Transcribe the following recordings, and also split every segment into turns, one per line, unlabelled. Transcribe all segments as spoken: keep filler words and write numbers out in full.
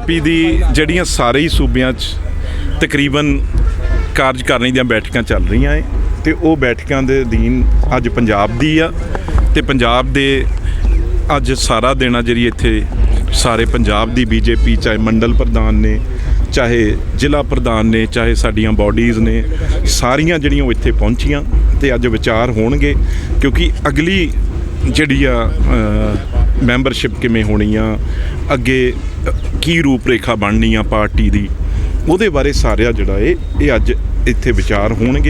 ਪੀ ਦੀ ਜਿਹੜੀਆਂ ਸਾਰੇ ਹੀ ਸੂਬਿਆਂ 'ਚ ਤਕਰੀਬਨ ਕਾਰਜਕਾਰਨੀ ਦੀਆਂ ਬੈਠਕਾਂ ਚੱਲ ਰਹੀਆਂ ਏ ਤੇ ਉਹ ਬੈਠਕਾਂ ਦੇ ਅਧੀਨ ਅੱਜ ਪੰਜਾਬ ਦੀ ਆ ਤੇ ਪੰਜਾਬ ਦੇ ਅੱਜ ਸਾਰਾ ਦਿਨ ਆ ਜਿਹੜੀ ਇੱਥੇ ਸਾਰੇ ਪੰਜਾਬ ਦੀ ਬੀਜੇਪੀ ਚਾਹੇ ਮੰਡਲ ਪ੍ਰਧਾਨ ਨੇ, ਚਾਹੇ ਜ਼ਿਲ੍ਹਾ ਪ੍ਰਧਾਨ ਨੇ, ਚਾਹੇ ਸਾਡੀਆਂ ਬਾਡੀਜ਼ ਨੇ, ਸਾਰੀਆਂ ਜਿਹੜੀਆਂ ਉਹ ਇੱਥੇ ਪਹੁੰਚੀਆਂ ਤੇ ਅੱਜ ਵਿਚਾਰ ਹੋਣਗੇ ਕਿਉਂਕਿ ਅਗਲੀ ਜਿਹੜੀ ਆ ਮੈਂਬਰਸ਼ਿਪ ਕਿਵੇਂ ਹੋਣੀ ਆ, ਅੱਗੇ ਕੀ ਰੂਪ ਰੇਖਾ ਬਣਨੀ ਆ ਪਾਰਟੀ ਦੀ, ਉਹਦੇ ਬਾਰੇ ਸਾਰਿਆ ਜਿਹੜਾ ਇਹ ਇਹ ਅੱਜ ਇੱਥੇ ਵਿਚਾਰ ਹੋਣਗੇ।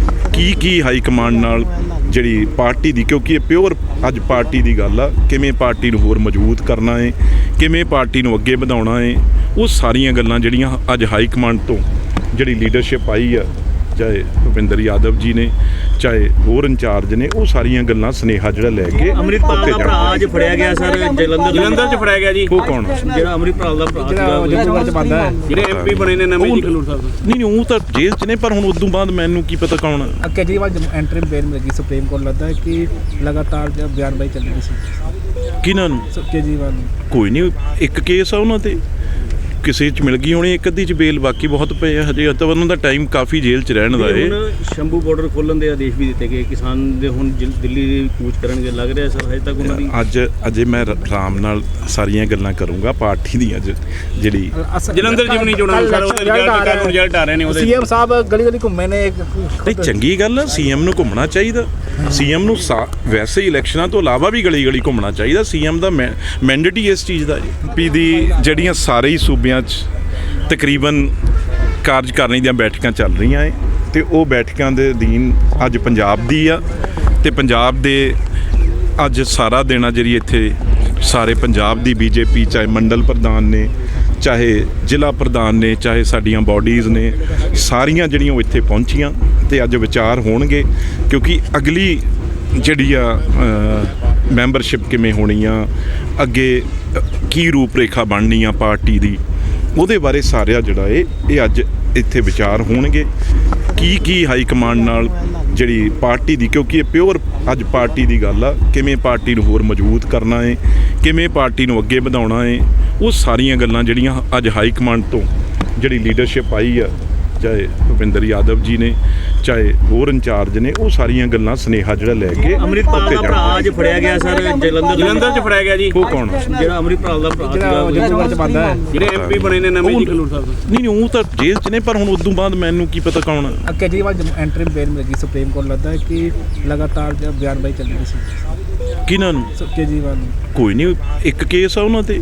ਕੀ ਕੀ ਹਾਈ ਕਮਾਂਡ ਨਾਲ ਜਿਹੜੀ ਪਾਰਟੀ ਦੀ, ਕਿਉਂਕਿ ਇਹ ਪਿਓਰ ਅੱਜ ਪਾਰਟੀ ਦੀ ਗੱਲ ਆ, ਕਿਵੇਂ ਪਾਰਟੀ ਨੂੰ ਹੋਰ ਮਜ਼ਬੂਤ ਕਰਨਾ ਹੈ, ਕਿਵੇਂ ਪਾਰਟੀ ਨੂੰ ਅੱਗੇ ਵਧਾਉਣਾ ਹੈ, ਉਹ ਸਾਰੀਆਂ ਗੱਲਾਂ ਜਿਹੜੀਆਂ ਅੱਜ ਹਾਈ ਕਮਾਂਡ ਤੋਂ ਜਿਹੜੀ ਲੀਡਰਸ਼ਿਪ ਆਈ ਆ, ਚਾਹੇ ਭੁਪਿੰਦਰ ਯਾਦਵ ਜੀ ਨੇ, ਚਾਹੇ ਹੋਰ ਇੰਚਾਰਜ ਨੇ, ਉਹ ਸਾਰੀਆਂ ਗੱਲਾਂ ਸੁਨੇਹਾ ਜਿਹੜਾ ਲੈ ਕੇ
ਅੰਮ੍ਰਿਤਪਾਲ ਦਾ ਭਰਾ ਅੱਜ ਫੜਿਆ ਗਿਆ ਸਰ, ਜਲੰਧਰ ਜਲੰਧਰ ਚ ਫੜਿਆ ਗਿਆ ਜੀ।
ਉਹ ਕੌਣ?
ਜਿਹੜਾ ਅੰਮ੍ਰਿਤਪਾਲ ਦਾ ਭਰਾ ਜਲੰਧਰ ਚ ਬੰਦਾ ਹੈ, ਜਿਹੜੇ ਐਮਪੀ ਬਣੇ ਨੇ ਨਵੇਂ ਜੀ ਖਲੂਰ ਸਾਹਿਬ।
ਨਹੀਂ ਨਹੀਂ ਉਹ ਤਾਂ ਜੇਲ੍ਹ 'ਚ ਨੇ, ਪਰ ਹੁਣ ਉਦੋਂ ਬਾਅਦ ਮੈਨੂੰ ਕੀ ਪਤਾ ਕੌਣ ਆ।
ਕੇਜਰੀਵਾਲ ਐਂਟਰੀ ਬੇਲ ਮਿਲ ਗਈ ਸੁਪਰੀਮ ਕੋਰਟ, ਲੱਗਦਾ ਹੈ ਕਿ ਲਗਾਤਾਰ ਬਿਆਨਬਾਜ਼ੀ ਚੱਲ ਰਹੀ ਸੀ
ਕਿਹਨਾਂ ਨੂੰ?
ਕੇਜਰੀਵਾਲ ਨੂੰ।
ਕੋਈ ਨਹੀਂ, ਇੱਕ ਕੇਸ ਆ ਉਹਨਾਂ ਤੇ, ਕਿਸੇ 'ਚ ਮਿਲ ਗਈ ਹੋਣੀ, ਇੱਕ ਅੱਧੀ 'ਚ ਬੇਲ, ਬਾਕੀ ਬਹੁਤ ਪਏ ਆ ਹਜੇ, ਤਾਂ ਉਹਨਾਂ ਦਾ ਟਾਈਮ ਕਾਫੀ ਜੇਲ੍ਹ 'ਚ ਰਹਿਣ ਦਾ ਏ।
ਹੁਣ ਸ਼ੰਭੂ ਬਾਰਡਰ ਖੋਲ੍ਹਣ ਦੇ ਆਦੇਸ਼ ਵੀ ਦਿੱਤੇ ਗਏ, ਕਿਸਾਨ ਦੇ ਹੁਣ ਦਿੱਲੀ ਦੀ ਕੂਚ ਕਰਨਗੇ, ਲੱਗ ਰਿਹਾ ਸਰ ਹਜੇ ਤੱਕ ਉਹਨਾਂ ਦੀ
ਅੱਜ ਅਜੇ ਮੈਂ ਆਰਾਮ ਨਾਲ ਸਾਰੀਆਂ ਗੱਲਾਂ ਕਰੂੰਗਾ ਪਾਰਟੀ ਦੀ ਅੱਜ ਜਿਹੜੀ
ਜਲੰਧਰ ਜਿਮਨੀ ਚੋਣਾਂ ਸਰ ਉਹਦੇ ਰਿਜ਼ਲਟ ਕੱਲ੍ਹ ਨੂੰ ਰਿਜ਼ਲਟ ਆ ਰਹੇ ਨੇ, ਉਹਦੇ
ਸੀਐਮ ਸਾਹਿਬ ਗਲੀ ਗਲੀ ਘੁੰਮੇ ਨੇ।
ਨਹੀਂ ਚੰਗੀ ਗੱਲ ਆ, ਸੀਐਮ ਨੂੰ ਘੁੰਮਣਾ ਚਾਹੀਦਾ, ਸੀਐਮ ਨੂੰ ਵੈਸੇ ਹੀ ਇਲੈਕਸ਼ਨਾਂ ਤੋਂ ਇਲਾਵਾ ਵੀ ਗਲੀ ਗਲੀ ਘੁੰਮਣਾ ਚਾਹੀਦਾ, ਸੀਐਮ ਦਾ ਮੈਂਡੇਟ ਹੀ ਇਸ ਚੀਜ਼ ਦਾ ਜੀ। ਪੀ ਦੀ ਜਿਹੜੀਆਂ ਸਾਰੇ ਹੀ ਸੂਬਿਆਂ 'ਚ ਤਕਰੀਬਨ ਕਾਰਜਕਾਰਨੀ ਦੀਆਂ ਬੈਠਕਾਂ ਚੱਲ ਰਹੀਆਂ ਏ ਤੇ ਉਹ ਬੈਠਕਾਂ ਦੇ ਅਧੀਨ ਅੱਜ ਪੰਜਾਬ ਦੀ ਆ ਤੇ ਪੰਜਾਬ ਦੇ ਅੱਜ ਸਾਰਾ ਦਿਨ ਆ ਜਿਹੜੀ ਇੱਥੇ ਸਾਰੇ ਪੰਜਾਬ ਦੀ ਬੀਜੇਪੀ ਚਾਹੇ ਮੰਡਲ ਪ੍ਰਧਾਨ ਨੇ, ਚਾਹੇ ਜ਼ਿਲ੍ਹਾ ਪ੍ਰਧਾਨ ਨੇ, ਚਾਹੇ ਸਾਡੀਆਂ ਬਾਡੀਜ਼ ਨੇ, ਸਾਰੀਆਂ ਜਿਹੜੀਆਂ ਉਹ ਇੱਥੇ ਪਹੁੰਚੀਆਂ ਤੇ ਅੱਜ ਵਿਚਾਰ ਹੋਣਗੇ ਕਿਉਂਕਿ ਅਗਲੀ ਜਿਹੜੀ ਆ ਮੈਂਬਰਸ਼ਿਪ ਕਿਵੇਂ ਹੋਣੀ ਆ, ਅੱਗੇ ਕੀ ਰੂਪ ਰੇਖਾ ਬਣਨੀ ਆ ਪਾਰਟੀ ਦੀ, ਉਹਦੇ ਬਾਰੇ ਸਾਰਿਆ ਜਿਹੜਾ ਇਹ ਇਹ ਅੱਜ ਇੱਥੇ ਵਿਚਾਰ ਹੋਣਗੇ। ਕੀ ਕੀ ਹਾਈ ਕਮਾਂਡ ਨਾਲ ਜਿਹੜੀ ਪਾਰਟੀ ਦੀ, ਕਿਉਂਕਿ ਇਹ ਪਿਓਰ ਅੱਜ ਪਾਰਟੀ ਦੀ ਗੱਲ ਆ, ਕਿਵੇਂ ਪਾਰਟੀ ਨੂੰ ਹੋਰ ਮਜ਼ਬੂਤ ਕਰਨਾ ਹੈ, ਕਿਵੇਂ ਪਾਰਟੀ ਨੂੰ ਅੱਗੇ ਵਧਾਉਣਾ ਹੈ, ਉਹ ਸਾਰੀਆਂ ਗੱਲਾਂ ਜਿਹੜੀਆਂ ਅੱਜ ਹਾਈ ਕਮਾਂਡ ਤੋਂ ਜਿਹੜੀ ਲੀਡਰਸ਼ਿਪ ਆਈ ਆ, ਚਾਹੇ ਭੁਪਿੰਦਰ ਯਾਦਵ ਜੀ ਨੇ, ਚਾਹੇ ਹੋਰ ਇੰਚਾਰਜ ਨੇ, ਉਹ ਸਾਰੀਆਂ ਗੱਲਾਂ ਸੁਨੇਹਾ ਜਿਹੜਾ ਲੈ ਕੇ
ਅੰਮ੍ਰਿਤਪਾਲ ਦਾ ਭਰਾ ਅੱਜ ਫੜਿਆ ਗਿਆ ਸਰ, ਜਲੰਧਰ ਜਲੰਧਰ ਚ ਫੜਿਆ ਗਿਆ ਜੀ।
ਉਹ ਕੌਣ?
ਜਿਹੜਾ ਅੰਮ੍ਰਿਤਪਾਲ ਦਾ ਭਰਾ
ਜਲੰਧਰ ਚ ਬੰਦਾ ਹੈ,
ਜਿਹੜੇ ਐਮਪੀ ਬਣੇ ਨੇ ਨਵੇਂ ਜੀ ਖਲੂਰ ਸਾਹਿਬ।
ਨਹੀਂ ਨਹੀਂ ਉਹ ਤਾਂ ਜੇਲ੍ਹ 'ਚ ਨੇ, ਪਰ ਹੁਣ ਉਦੋਂ ਬਾਅਦ ਮੈਨੂੰ ਕੀ ਪਤਾ ਕੌਣ ਆ।
ਕੇਜਰੀਵਾਲ ਐਂਟਰੀ ਬੇਲ ਮਿਲ ਗਈ ਸੁਪਰੀਮ ਕੋਰਟ, ਲੱਗਦਾ ਹੈ ਕਿ ਲਗਾਤਾਰ ਬਿਆਨਬਾਜ਼ੀ ਚੱਲ ਰਹੀ ਸੀ
ਕਿਹਨਾਂ ਨੂੰ?
ਕੇਜਰੀਵਾਲ ਨੂੰ।
ਕੋਈ ਨਹੀਂ, ਇੱਕ ਕੇਸ ਆ ਉਹਨਾਂ ਤੇ,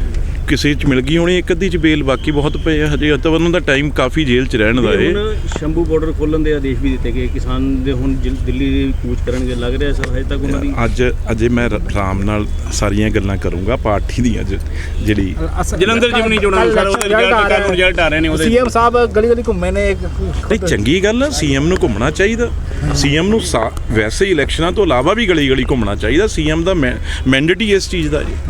ਕਿਸੇ 'ਚ ਮਿਲ ਗਈ ਹੋਣੀ, ਇੱਕ ਅੱਧੀ 'ਚ ਬੇਲ, ਬਾਕੀ ਬਹੁਤ ਪਏ ਆ ਹਜੇ, ਤਾਂ ਉਹਨਾਂ ਦਾ ਟਾਈਮ ਕਾਫੀ ਜੇਲ੍ਹ 'ਚ ਰਹਿਣ ਦਾ ਏ।
ਹੁਣ ਸ਼ੰਭੂ ਬਾਰਡਰ ਖੋਲ੍ਹਣ ਦੇ ਆਦੇਸ਼ ਵੀ ਦਿੱਤੇ ਗਏ, ਕਿਸਾਨ ਦੇ ਹੁਣ ਦਿੱਲੀ ਦੀ ਕੂਚ ਕਰਨਗੇ, ਲੱਗ ਰਿਹਾ ਸਰ ਹਜੇ ਤੱਕ ਉਹਨਾਂ ਦੀ
ਅੱਜ ਅਜੇ ਮੈਂ ਆਰਾਮ ਨਾਲ ਸਾਰੀਆਂ ਗੱਲਾਂ ਕਰੂੰਗਾ ਪਾਰਟੀ ਦੀ ਅੱਜ ਜਿਹੜੀ
ਜਲੰਧਰ ਜਿਮਨੀ ਚੋਣਾਂ ਸਰ ਉਹਦੇ ਰਿਜ਼ਲਟ ਕੱਲ੍ਹ ਨੂੰ ਰਿਜ਼ਲਟ ਆ ਰਹੇ ਨੇ, ਉਹਦੇ
ਸੀਐਮ ਸਾਹਿਬ ਗਲੀ ਗਲੀ ਘੁੰਮੇ ਨੇ।
ਨਹੀਂ ਚੰਗੀ ਗੱਲ ਆ, ਸੀਐਮ ਨੂੰ ਘੁੰਮਣਾ ਚਾਹੀਦਾ, ਸੀਐਮ ਨੂੰ ਵੈਸੇ ਹੀ ਇਲੈਕਸ਼ਨਾਂ ਤੋਂ ਇਲਾਵਾ ਵੀ ਗਲੀ ਗਲੀ ਘੁੰਮਣਾ ਚਾਹੀਦਾ, ਸੀਐਮ ਦਾ ਮੈਂਡੇਟ ਹੀ ਇਸ ਚੀਜ਼ ਦਾ ਜੀ।